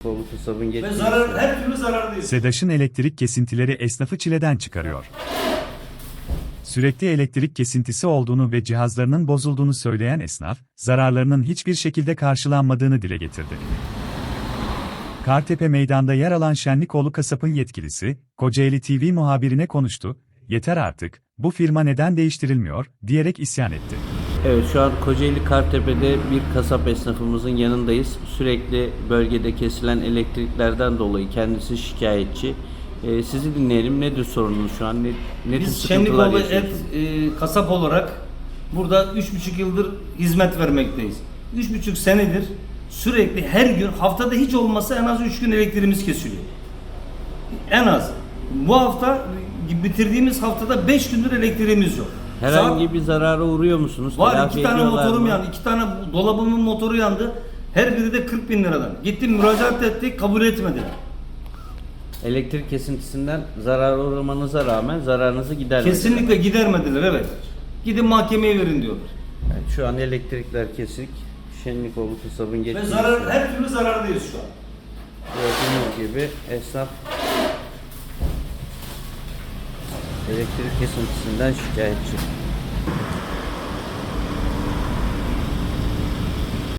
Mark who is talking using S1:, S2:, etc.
S1: Kolu kasabın
S2: Ve
S1: geçmesi.
S2: her türlü zarardayız.
S3: SEDAŞ'ın elektrik kesintileri esnafı çileden çıkarıyor. Sürekli elektrik kesintisi olduğunu ve cihazlarının bozulduğunu söyleyen esnaf, zararlarının hiçbir şekilde karşılanmadığını dile getirdi. Kartepe Meydan'da yer alan Şenlikoğlu Kasap'ın yetkilisi, Kocaeli TV muhabirine konuştu, "Yeter artık, bu firma neden değiştirilmiyor?" diyerek isyan etti.
S1: Evet, şu an Kocaeli Kartepe'de bir kasap esnafımızın yanındayız. Sürekli bölgede kesilen elektriklerden dolayı kendisi şikayetçi. Sizi dinleyelim. Nedir sorununuz şu an? Ne tür
S2: Biz
S1: sıkıntılar
S2: Şenlikoğlu et
S1: yaşıyorsunuz?
S2: kasap olarak burada 3,5 yıldır hizmet vermekteyiz. 3,5 senedir sürekli her gün, haftada hiç olmasa en az 3 gün elektriğimiz kesiliyor. En az. Bu hafta bitirdiğimiz haftada 5 gündür elektriğimiz yok.
S1: Herhangi bir zarara uğruyor musunuz?
S2: Var,
S1: Telafi
S2: 2 tane
S1: ediyorlar
S2: motorum
S1: mı?
S2: yandı. 2 tane dolabımın motoru yandı. Her biri de 40 bin liradan. Gittim müracaat ettik, kabul etmediler.
S1: Elektrik kesintisinden zarara uğramanıza rağmen zararınızı gidermediler.
S2: Kesinlikle gidermediler, evet. Gidin mahkemeye verin diyorlar.
S1: Yani şu an elektrikler kesik. Şenlikoğlu kasabın
S2: Ve
S1: geçmesi.
S2: her türlü zarardayız şu an.
S1: Gördüğünüz gibi esnaf elektrik kesintisinden şikayetçi.